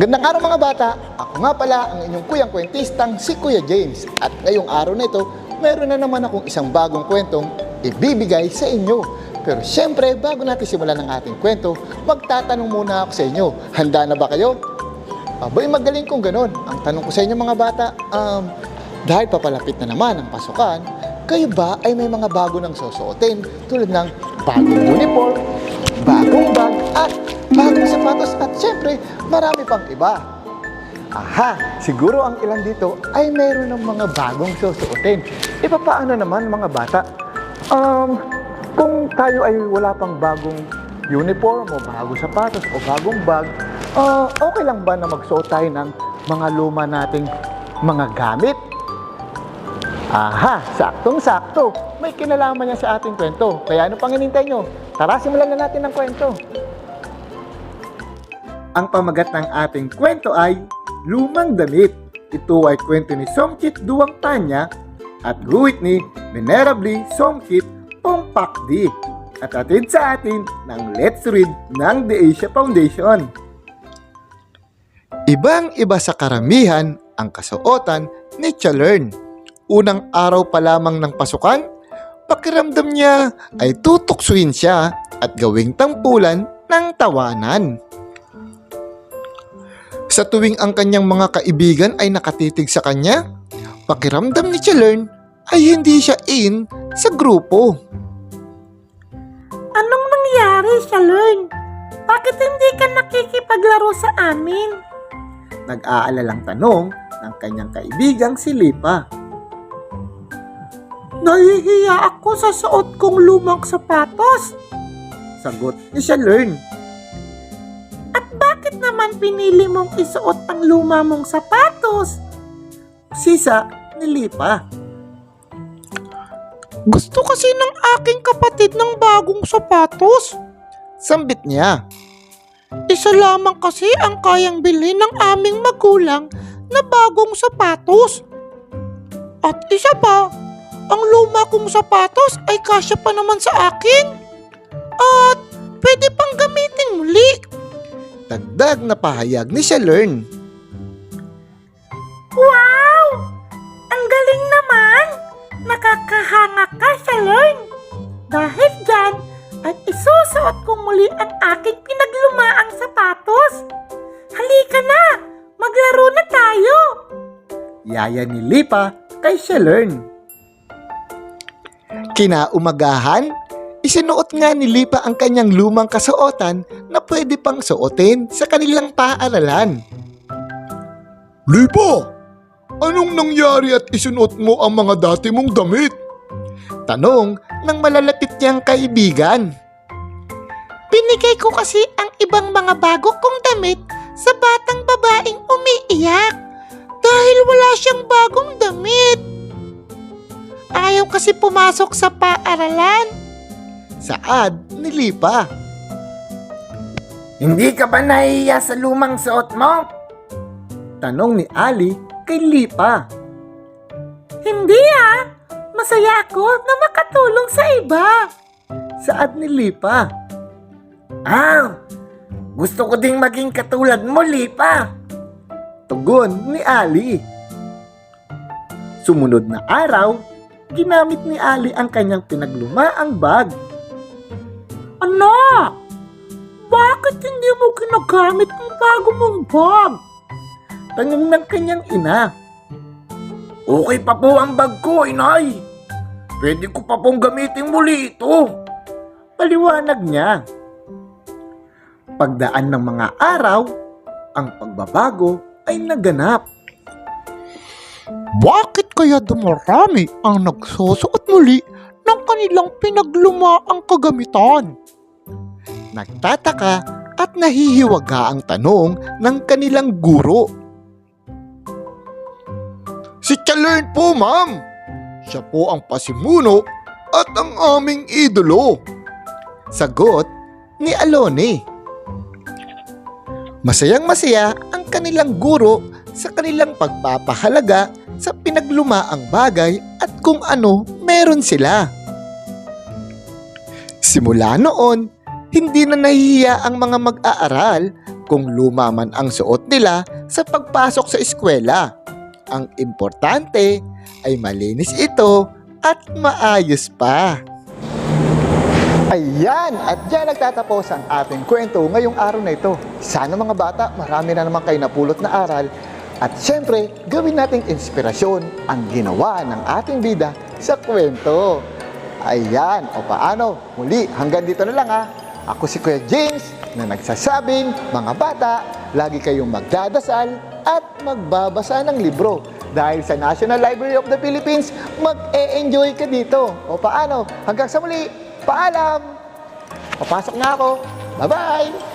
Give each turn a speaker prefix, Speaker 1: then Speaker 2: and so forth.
Speaker 1: Magandang araw mga bata! Ako nga pala ang inyong kuyang kwentistang si Kuya James. At ngayong araw na ito, meron na naman akong isang bagong kwentong ibibigay sa inyo. Pero syempre, bago natin simulan ang ating kwento, magtatanong muna ako sa inyo. Handa na ba kayo? Abay, magaling kung ganun. Ang tanong ko sa inyo mga bata, dahil papalapit na naman ang pasukan, kayo ba ay may mga bago nang susuotin tulad ng bagong uniform, bagong bag, at bagong sapatos, at syempre, marami pang iba. Aha, siguro ang ilan dito ay mayroon ng mga bagong susuotin. E paano naman mga bata? Kung tayo ay wala pang bagong uniform o bagong sapatos o bagong bag, okay lang ba na magsuot tayo ng mga luma nating mga gamit? Aha, saktong-sakto. May kinalaman niya sa ating kwento. Kaya ano pang hinintay nyo? Tara, simulan na natin ang kwento. Ang pamagat ng ating kwento ay Lumang Damit. Ito ay kwento ni Somkit Duwang Tanya at guhit ni Venerably Somkit Pongpakdi at atid sa atin ng Let's Read ng The Asia Foundation. Ibang-iba sa karamihan ang kasuotan ni Chalern. Unang araw pa lamang ng pasukan, pakiramdam niya ay tutuksuin siya at gawing tampulan ng tawanan. Sa tuwing ang kanyang mga kaibigan ay nakatitig sa kanya, pakiramdam ni Chalern ay hindi siya in sa grupo.
Speaker 2: Anong nangyari, Chalern? Bakit hindi ka nakikipaglaro sa amin?
Speaker 1: Nag-aalalang tanong ng kanyang kaibigang si Lipa.
Speaker 2: Nahihiya ako sa suot kong lumang sapatos.
Speaker 1: Sagot ni Chalern.
Speaker 2: At bakit naman pinili mong isuot ang luma mong sapatos?
Speaker 1: Sisa ni Lipa.
Speaker 2: Gusto kasi ng aking kapatid ng bagong sapatos.
Speaker 1: Sambit niya.
Speaker 2: Isa lamang kasi ang kayang bilhin ng aming magulang na bagong sapatos. At isa pa, ang luma kong sapatos ay kasya pa naman sa akin. At pwede pang gamitin muli.
Speaker 1: Dagdag na pahayag ni Chalern.
Speaker 2: Wow! Ang galing naman! Nakakahanga ka, Chalern! Dahil dyan, ay isusuot ko muli ang aking pinaglumaang sapatos. Halika na! Maglaro na tayo!
Speaker 1: Yaya ni Lipa kay Chalern. Kinaumagahan, isinuot nga ni Lipa ang kanyang lumang kasuotan na pwede pang suotin sa kanilang paaralan. Lipa, anong nangyari at isinuot mo ang mga dati mong damit? Tanong ng malalapit niyang kaibigan.
Speaker 2: Binigay ko kasi ang ibang mga bago kong damit sa batang babaeng umiiyak dahil wala siyang bagong damit. Ayaw kasi pumasok sa paaralan.
Speaker 1: Saad ni Lipa.
Speaker 3: Hindi ka ba nahihiya sa lumang suot mo?
Speaker 1: Tanong ni Ali kay Lipa.
Speaker 2: Hindi masaya ako na makatulong sa iba.
Speaker 1: Saad ni Lipa.
Speaker 3: Gusto ko ding maging katulad mo, Lipa.
Speaker 1: Tugon ni Ali. Sumunod na araw, ginamit ni Ali ang kanyang pinaglumaang bag.
Speaker 2: Anak, bakit hindi mo ginagamit ang bago mong bag?
Speaker 1: Tanong ng kanyang ina.
Speaker 3: Okay pa po ang bag ko, inay. Pwede ko pa pong gamitin muli ito.
Speaker 1: Paliwanag niya. Pagdaan ng mga araw, ang pagbabago ay naganap.
Speaker 2: Bakit kaya dumarami ang nagsusuot muli ng kanilang pinaglumaang kagamitan?
Speaker 1: Nagtataka at nahihiwaga ang tanong ng kanilang guro. Si Chalern po, ma'am. Siya po ang pasimuno at ang aming idolo. Sagot ni Alone. Masayang-masaya ang kanilang guro sa kanilang pagpapahalaga sa pinaglumaang bagay at kung ano meron sila. Simula noon, hindi na nahihiya ang mga mag-aaral kung luma man ang suot nila sa pagpasok sa eskwela. Ang importante ay malinis ito at maayos pa. Ayan! At dyan nagtatapos ang ating kwento ngayong araw na ito. Sana mga bata, marami na naman kayo napulot na aral. At syempre, gawin nating inspirasyon ang ginawa ng ating bida sa kwento. Ayan, o paano? Muli, hanggang dito na lang ha. Ako si Kuya James na nagsasabing, mga bata, lagi kayong magdadasal at magbabasa ng libro. Dahil sa National Library of the Philippines, mag-e-enjoy ka dito. O paano? Hanggang sa muli, paalam! Papasok na ako. Bye-bye!